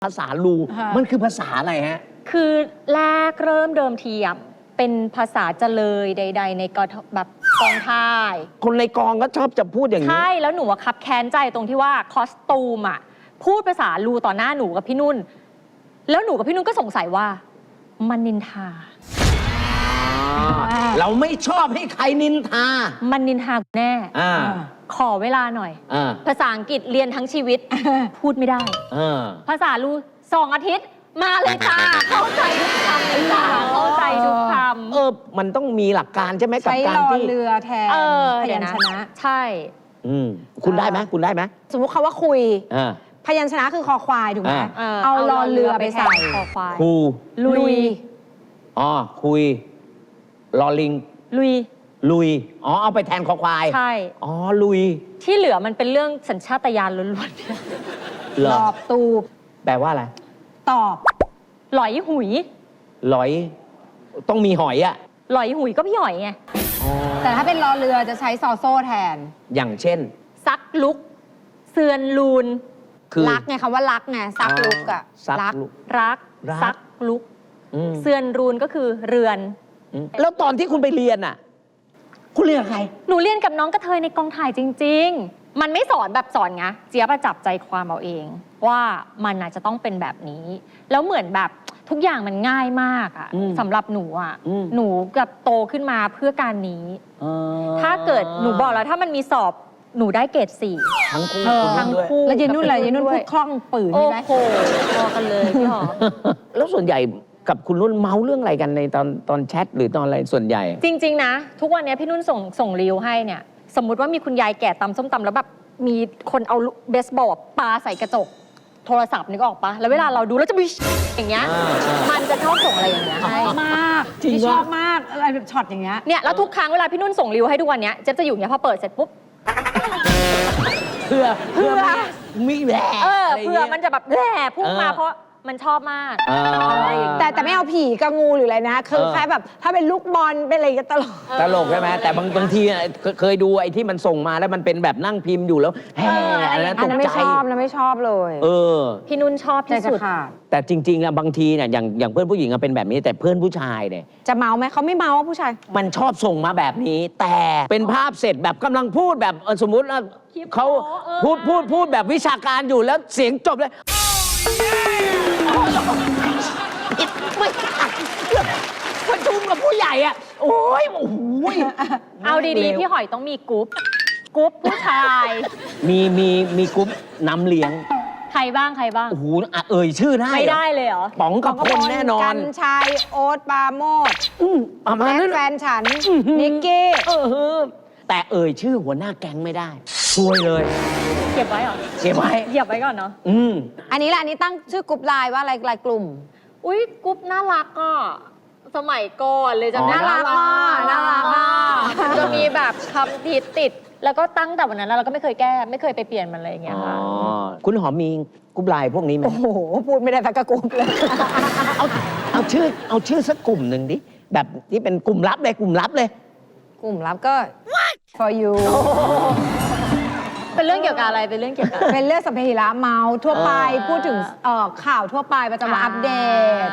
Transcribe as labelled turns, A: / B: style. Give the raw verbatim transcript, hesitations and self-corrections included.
A: ภาษาลูมันคือภาษาอะไรฮะ
B: คือแรกเริ่มเดิมทีอ่ะเป็นภาษาเจเลยใด ๆ ในกทแบบกองถ่าย
A: คนในกองก็ชอบจะพูดอย่างนี้
B: ใช่แล้วหนูคับแค้นใจตรงที่ว่าคอสตูมอ่ะพูดภาษาลูต่อหน้าหนูกับพี่นุ่นแล้วหนูกับพี่นุ่นก็สงสัยว่ามันนินทา
A: เราไม่ชอบให้ใครนินทา
B: มันนินทาแน่ขอเวลาหน่อยภาษาอังกฤษเรียนทั้งชีวิตพูดไม่ได้ภาษาลูสองอาทิตย์มาเลยค่ะเข้าใจทุกคำเลยค่ะเข้าใจทุกคำ
A: เออมันต้องมีหลักการใช่ไหมกับการที่
C: ใช้รอเรือแทนพยัญชนะ
B: ใช่
A: อืมคุณได้ไหมคุณได้ไหม
C: สมมุติคำว่าคุยพยัญชนะคือคอควายถูกไหมเอารอเรือไปใส่
B: คอควาย
A: คู
C: ลุย
A: อ๋อคุยลอลิง
B: ลุย
A: ลุยอ๋อเอาไปแทนคอควาย
B: ใช่
A: อ๋อลุย
B: ที่เหลือมันเป็นเรื่องสัญชาตญาณล้วน
A: ๆต
C: อบตูบ
A: แปลว่าอะไร
C: ตอบ
B: หลอยหุย
A: หลอยต้องมีหอยอะ
B: หลอยหุยก็พี่หอยไง
C: แต่ถ้าเป็นรอเรือจะใช้ซอโซ่แทน
A: อย่างเช่น
B: ซักลุกเสือนลูน
C: คือรักไงคำว่ารักไงซักลุกอะ
B: รักรักซักลุกเสือนรูนก็คือเรือน
A: แล้วตอนที่คุณไปเรียนอ่ะคุณเรียนกับใคร
B: หนูเรียนกับน้องกระเทยในกองถ่ายจริงๆมันไม่สอนแบบสอนไงเจี๊ยบจับใจความเอาเองว่ามันอาจจะต้องเป็นแบบนี้แล้วเหมือนแบบทุกอย่างมันง่ายมากอ่ะสำหรับหนูอ่ะหนูกับโตขึ้นมาเพื่อการนี้ถ้าเกิดหนูบอกแล้วถ้ามันมีสอบหนูได้เกรดสี่
A: ทั้งคู่
B: ทั้งคู่
C: แล้วเยนุ่นอะไรเยนุ่นพูดคล่องปืนใช่ไหม
B: โอ้โหพอกันเลยพี่หอ
A: แล้วส่วนใหญ่กับคุณนุ่นเมาเรื่องอะไรกันในตอนตอนแชทหรือตอนอะไรส่วนใหญ่
B: จริงๆนะทุกวันนี้พี่นุ่นส่งส่งรีวให้เนี่ยสมมุติว่ามีคุณยายแก่ตำส้มตำแล้วแบบมีคนเอาเบสบอลปาใส่กระจกโทรศัพท์นึกออกปะแล้วเวลาเราดูแล้วจะมีอย่างเงี้ยมันจะชอบส่งอะไรอย่างเงี้ยให้
C: มากที่ชอบมากอะไรแบบช็อตอย่างเงี้ย
B: เนี่ยแล้วทุกครั้งเวลาพี่นุ่นส่งรีวให้ทุกวันเนี้ยเจ๊จะอยู่เงี้ยพอเปิดเสร็จปุ๊บ
A: เพื่อ
B: เพื่อ
A: มีแหล่
B: เออเพื่อมันจะแบบแหล่พุ่งมาเพราะมันชอบมาก
C: แต่แต่ไม่เอาผีกับงูหรืออะไรนะคือแค่แบบถ้าเป็นลูกบอลเป็นอะไรก็ตลก
A: ตลกใช่ไหมแต่บางบางทีเคยดูไอ้ที่มันส่งมาแล้วมันเป็นแบบนั่งพิมพ์อยู่แล้วแห่อะไรนะตกใจ
C: ไม่ชอบนะไม่ชอบเลย
A: เออ
B: พี่นุ่นชอบที่สุด
A: แต่จริงๆอะบางทีเนี่ยอย่างอย่างเพื่อนผู้หญิงเป็นแบบนี้แต่เพื่อนผู้ชายเนี่ย
C: จะเมาไหมเขาไม่เมาผู้ชาย
A: มันชอบส่งมาแบบนี้แต่เป็นภาพเสร็จแบบกำลังพูดแบบสมมุติว่าเขาพูดพูดพูดแบบวิชาการอยู่แล้วเสียงจบเลยประชุมกับผู้ใหญ่อ่ะโอ้ยโอ้โห
B: เอาดีๆพี่หอยต้องมีกรุ๊ปกรุ๊ปผู้ชาย
A: มีมีมีกรุ๊ปน้ำเลี้ยง
B: ใครบ้างใครบ้าง
A: โอ้โหเอ่ยชื่อได้
B: ไม่ได้เลยเหรอ
A: ป๋องกับพลแน่นอน
C: กันชัยโอ๊ตปาโมด
A: ประมาณนั้น
C: แฟนฉันนิกกี้
A: แต่เอ่ยชื่อหัวหน้าแก๊งไม่ได้ช่วยเลย
B: เก็บไว้เหรอ
A: เก็บไว้
B: เหยียบไว้ก่อนเนาะ
A: อืม
C: อันนี้แหละอันนี้ตั้งชื่อกลุ่มไลน์ว่าอะไรไลน์กลุ่ม
B: อุ้ยกรุ๊ปน่ารักอ่ะสมัยก่อนเลยจะ
C: น่ารักอ่ะน่ารักอ่ะ
B: จะมีแบบคำติดติดแล้วก็ตั้งแต่วันนั้นเราก็ไม่เคยแก้ไม่เคยไปเปลี่ยนมันเลยอย่างเงี้ยค่ะ
A: คุณหอมมีกรุ๊ปไลน์พวกนี้ไหม
C: โอ้โหพูดไม่ได้สักกลุ่มเลย
A: เอาเอาชื่อเอาชื่อสักกลุ่มหนึ่งดิแบบที่เป็นกลุ่มลับเลยกลุ่มลับเลย
C: กลุ่มลับก็ for you
B: เป็นเรื่องเกี่ยวกับอะไรเป็นเรื่องเกี่ยวกับ
C: เป็นเรื่องสัพเพเหระเมาทั่วไปพูดถึงข่าวทั่วไปประจำวันอัปเดต